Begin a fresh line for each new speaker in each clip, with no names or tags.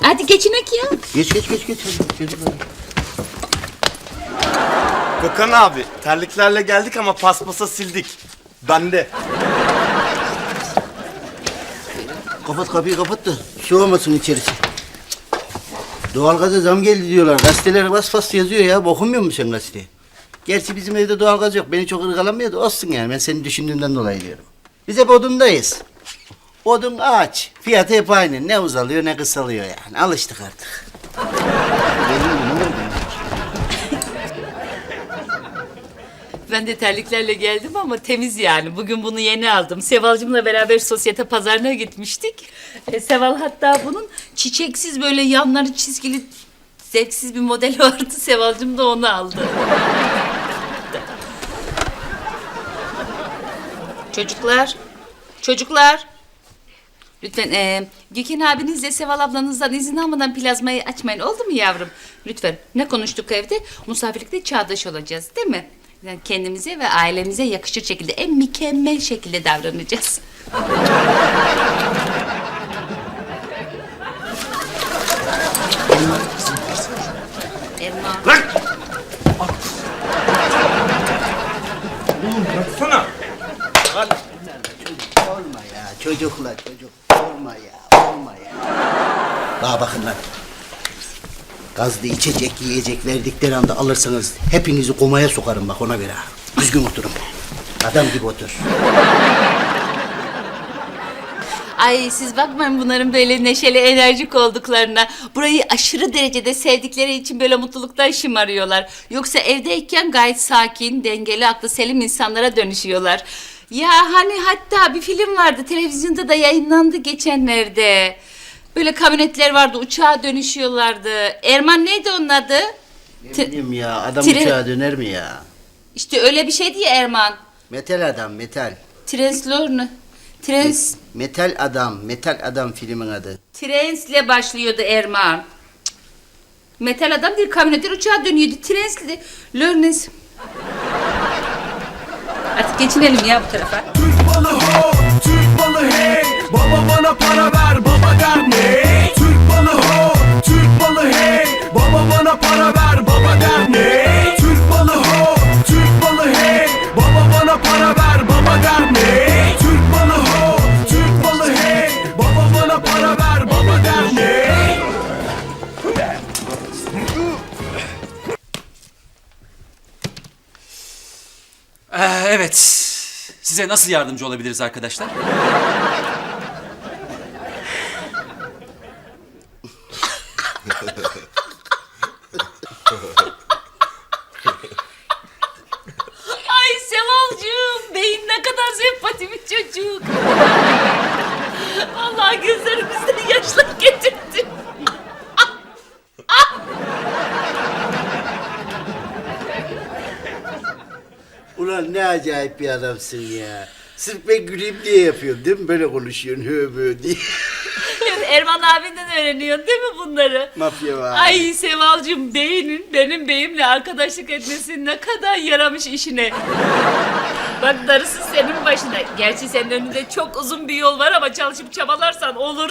Hadi geçinek ya.
Geç. Hadi, çocuklar.
Gökhan abi, terliklerle geldik ama paspasa sildik. Bende.
Kapat kapıyı kapat da soğumasın içerisi. Doğalgaza zam geldi diyorlar. Gazeteler bas yazıyor ya. Okumuyor musun sen gazeteyi? Gerçi bizim evde doğalgaz yok. Beni çok ırgalamıyor da olsun yani. Ben seni düşündüğümden dolayı diyorum. Biz hep odundayız. Odun ağaç. Fiyatı hep aynı. Ne uzalıyor ne kısalıyor yani. Alıştık artık.
Ben de terliklerle geldim ama temiz yani. Bugün bunu yeni aldım. Sevalcığımla beraber sosyete pazarına gitmiştik. Seval hatta bunun çiçeksiz böyle yanları çizgili zevksiz bir modeli vardı. Sevalcığım da onu aldı. Çocuklar. Lütfen Gökhan abinizle Seval ablanızdan izin almadan plazmayı açmayın. Oldu mu yavrum? Lütfen. Ne konuştuk evde? Misafirlikte çağdaş olacağız değil mi? Yani kendimize ve ailemize yakışır şekilde, en mükemmel şekilde davranacağız. Erman.
Lan! Oğlum bıraksana. Lan.
Olma ya çocuklar. Olma ya. Bana bakın lan. Gazlı içecek, yiyecek verdikleri anda alırsanız hepinizi komaya sokarım bak ona göre. Düzgün oturun. Adam gibi otur.
Ay siz bakmayın bunların böyle neşeli, enerjik olduklarına. Burayı aşırı derecede sevdikleri için böyle mutluluktan şımarıyorlar. Yoksa evdeyken gayet sakin, dengeli, aklı selim insanlara dönüşüyorlar. Ya hani hatta bir film vardı, televizyonda da yayınlandı geçenlerde. Böyle kamyonetler vardı, uçağa dönüşüyorlardı. Erman neydi onun adı?
Ne bileyim ya adam
Tren-
uçağa döner mi ya?
İşte öyle bir şeydi ya Erman.
Metal adam metal. Metal adam filmin adı.
Trens'le başlıyordu Erman. Cık. Metal adam değil, kamyonetler uçağa dönüyordu. Trens'le Lörnes. Artık geçinelim ya bu tarafa.
Türk balı ho, Türk balı hey. Baba bana para ver, baba der ne? Türk balı ho, Türk balı hey. Baba bana para ver, baba der ne? Türk balı ho, Türk balı hey. Baba bana para ver, baba der ne? Türk balı ho, Türk balı hey. Baba bana para ver, baba der ne?
Evet. Size nasıl yardımcı olabiliriz arkadaşlar?
Ay Sevalcığım, beyin ne kadar sempatik bir çocuk. Vallahi gözlerimizden yaşlar getirdi.
Ulan ne acayip bir adamsın ya. Sırf ben güleyim diye yapıyorum değil mi? Böyle konuşuyorsun böyle diye.
Erman abinden öğreniyorsun değil mi bunları?
Mafya var.
Ay Sevalcığım, beynin benim beyimle arkadaşlık etmesi ne kadar yaramış işine. Bak darısı senin başına. Gerçi senin önünde çok uzun bir yol var ama çalışıp çabalarsan olur.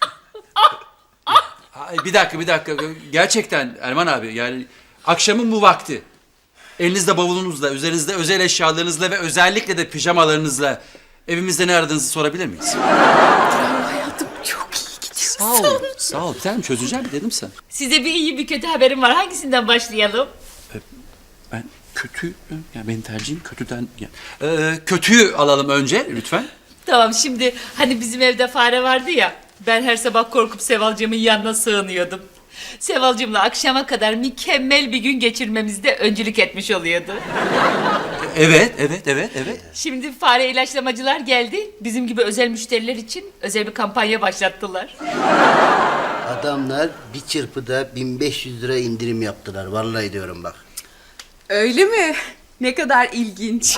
Ay, bir dakika. Gerçekten Erman abi yani akşamın bu vakti. Elinizde bavulunuzla, üzerinizde özel eşyalarınızla ve özellikle de pijamalarınızla evimizde ne aradığınızı sorabilir miyiz?
Hayatım çok iyi gidiyor.
Sağ ol. Bir tanem çözeceğim dedim sana.
Size bir iyi bir kötü haberim var. Hangisinden başlayalım?
Ben kötü, yani benim tercihim kötüden... kötüyü alalım önce lütfen.
Tamam, şimdi hani bizim evde fare vardı ya. Ben her sabah korkup Sevalcığımın yanına sığınıyordum. Sevalcığımla akşama kadar mükemmel bir gün geçirmemizde öncülük etmiş oluyordu.
Evet.
Şimdi fare ilaçlamacılar geldi. Bizim gibi özel müşteriler için özel bir kampanya başlattılar.
Adamlar bir çırpıda 1500 lira indirim yaptılar. Vallahi diyorum bak.
Öyle mi? Ne kadar ilginç.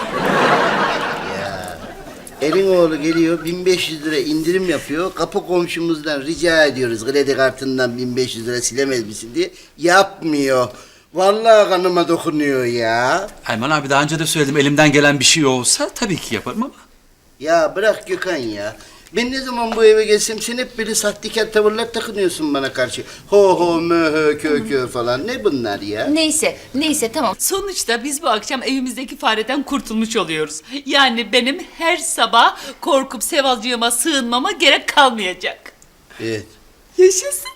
Elin oğlu geliyor 1500 lira indirim yapıyor. Kapı komşumuzdan rica ediyoruz kredi kartından 1500 lira silemez misin diye. Yapmıyor. Vallahi kanıma dokunuyor ya.
Erman abi daha önce de söyledim elimden gelen bir şey olsa tabii ki yaparım ama.
Ya bırak Gökhan ya. Ben ne zaman bu eve gelsem sen hep böyle sahtekar tavırlar takınıyorsun bana karşı. Ho ho mö hö kö kö falan. Ne bunlar ya?
Neyse tamam. Sonuçta biz bu akşam evimizdeki fareden kurtulmuş oluyoruz. Yani benim her sabah korkup Sevalcığıma sığınmama gerek kalmayacak.
Evet.
Yaşasın.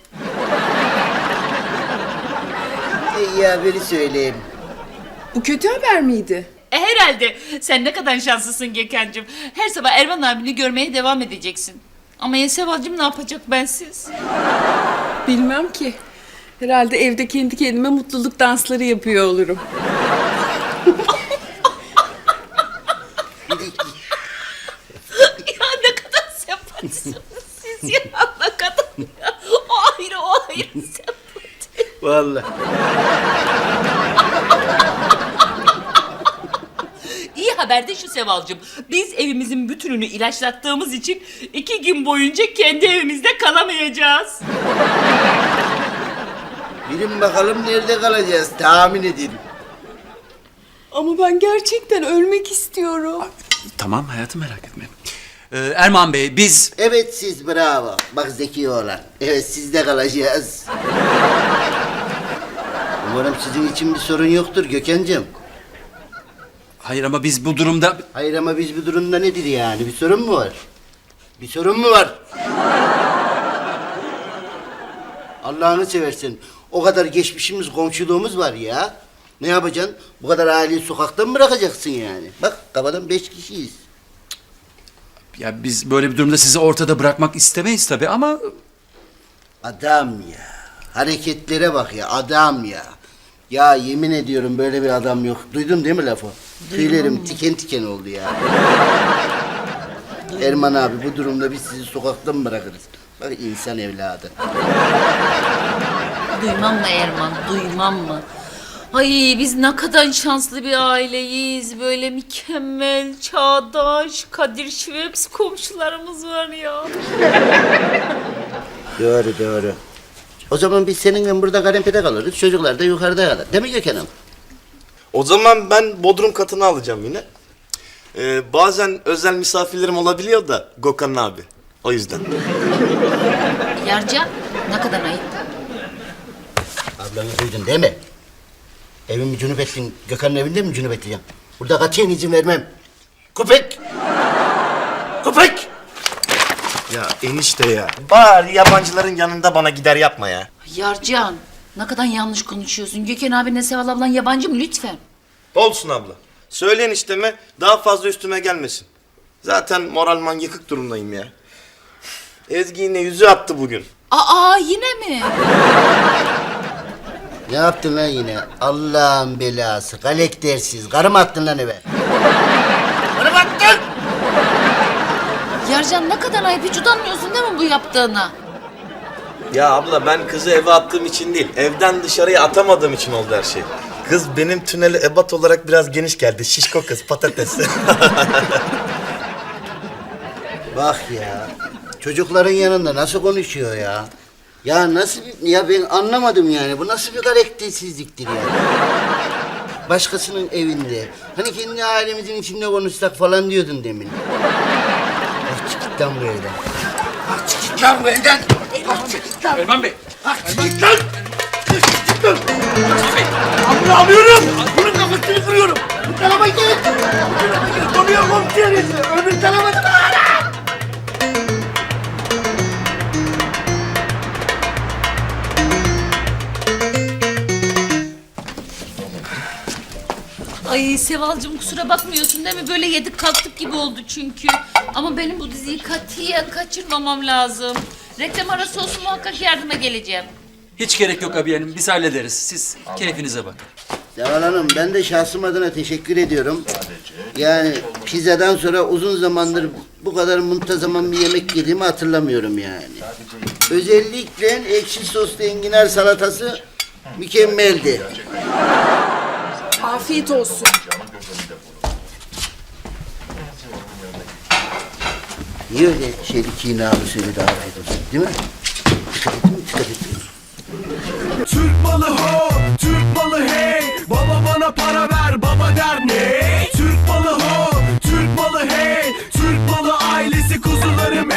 Ya biri söyleyeyim.
Bu kötü haber miydi?
Herhalde. Sen ne kadar şanslısın Gökhan'cığım. Her sabah Erman abini görmeye devam edeceksin. Ama ya Sevalcığım ne yapacak bensiz?
Bilmem ki. Herhalde evde kendi kendime mutluluk dansları yapıyor olurum.
Ya ne kadar sempatisiniz siz ya. Ne kadar ya. O ayrı sempatik.
Vallahi.
İyi haber de şu Sevalcığım. Biz evimizin bütününü ilaçlattığımız için 2 gün boyunca kendi evimizde kalamayacağız.
Bilin bakalım nerede kalacağız tahmin edin.
Ama ben gerçekten ölmek istiyorum.
Tamam hayatım, merak etme. Erman Bey, biz...
Evet siz bravo. Bak zeki oğlan. Evet sizde kalacağız. Umarım sizin için bir sorun yoktur Gökhan'cığım.
Hayır ama biz bu durumda...
Hayır ama biz bu durumda nedir yani? Bir sorun mu var? Bir sorun mu var? Allah'ını seversen. O kadar geçmişimiz, komşuluğumuz var ya. Ne yapacaksın? Bu kadar aileyi sokakta mı bırakacaksın yani? Bak kafadan 5 kişiyiz.
Ya biz böyle bir durumda sizi ortada bırakmak istemeyiz tabii ama...
Adam ya. Hareketlere bak ya. Adam ya. Ya yemin ediyorum böyle bir adam yok. Duydun değil mi lafı? Tüylerim tiken tiken oldu ya. Erman abi bu durumda biz sizi sokakta mı bırakırız? Bak insan evladı.
Duymam mı Erman, duymam mı? Ay biz ne kadar şanslı bir aileyiz. Böyle mükemmel, çağdaş, Kadir Şiveps komşularımız var ya.
Doğru doğru. O zaman biz seninle burada kanepede kalırız. Çocuklar da yukarıda kalır. Değil mi Gökhan'ım?
O zaman ben bodrum katını alacağım yine. Bazen özel misafirlerim olabiliyor da Gökhan abi. O yüzden.
Yarcan ne kadar ayıp.
Ablanı duydun değil mi? Evimi cünüp ettin. Gökhan'ın evinde mi cünüp edeceğim? Burada katiyen izin vermem. Köpek! Köpek!
Ya enişte ya. Bari yabancıların yanında bana gider yapma ya.
Yarcan ne kadar yanlış konuşuyorsun. Gökhan abinle Seval ablan yabancı mı lütfen?
Olsun abla. Söyle enişteme daha fazla üstüme gelmesin. Zaten moralman yıkık durumdayım ya. Ezgi yine yüzü attı bugün.
Aa yine mi?
Ne yaptın lan yine? Allah'ın belası. Galektersiz. Karı mı attın lan eve? Karı mı attın?
Yarcan ne kadar ayıp. Hiç utanmıyorsun değil mi bu yaptığına?
Ya abla ben kızı eve attığım için değil, evden dışarıya atamadığım için oldu her şey. Kız benim tüneli ebat olarak biraz geniş geldi. Şişko kız, patates.
Bak ya. Çocukların yanında nasıl konuşuyor ya? Ya nasıl bir... Ya ben anlamadım yani. Bu nasıl bir karaktersizliktir ya? Başkasının evinde. Hani kendi ailemizin içinde konuşsak falan diyordun demin. Ah çık git lan bu evden. Ah çık git lan bu evden. Ah çık git lan.
Erman Bey!
Ah çık git lan. Çık git lan. Abla alıyorum. Bunun kafasını kırıyorum. Bu tarafa git. Konuyor komiseriz. Öbür tarafa da bağla.
Ay Sevalcığım kusura bakmıyorsun değil mi? Böyle yedik kalktık gibi oldu çünkü. Ama benim bu diziyi katiyen kaçırmamam lazım. Reklam arası olsun muhakkak yardıma geleceğim.
Hiç gerek yok abi hanım, biz hallederiz. Siz keyfinize bakın.
Seval Hanım ben de şahsım adına teşekkür ediyorum. Yani pizzadan sonra uzun zamandır bu kadar muntazaman bir yemek yediğimi hatırlamıyorum yani. Özellikle ekşi soslu enginar salatası mükemmeldi.
Afiyet olsun.
Niye öyle kinalı söyledi afiyet olsun değil mi? Dikkat ettin mi? Dikkat ettin mi?
Türk malı ho, Türk malı hey. Baba bana para ver, baba der ne? Türk malı ho, Türk malı hey. Türk malı ailesi kuzularım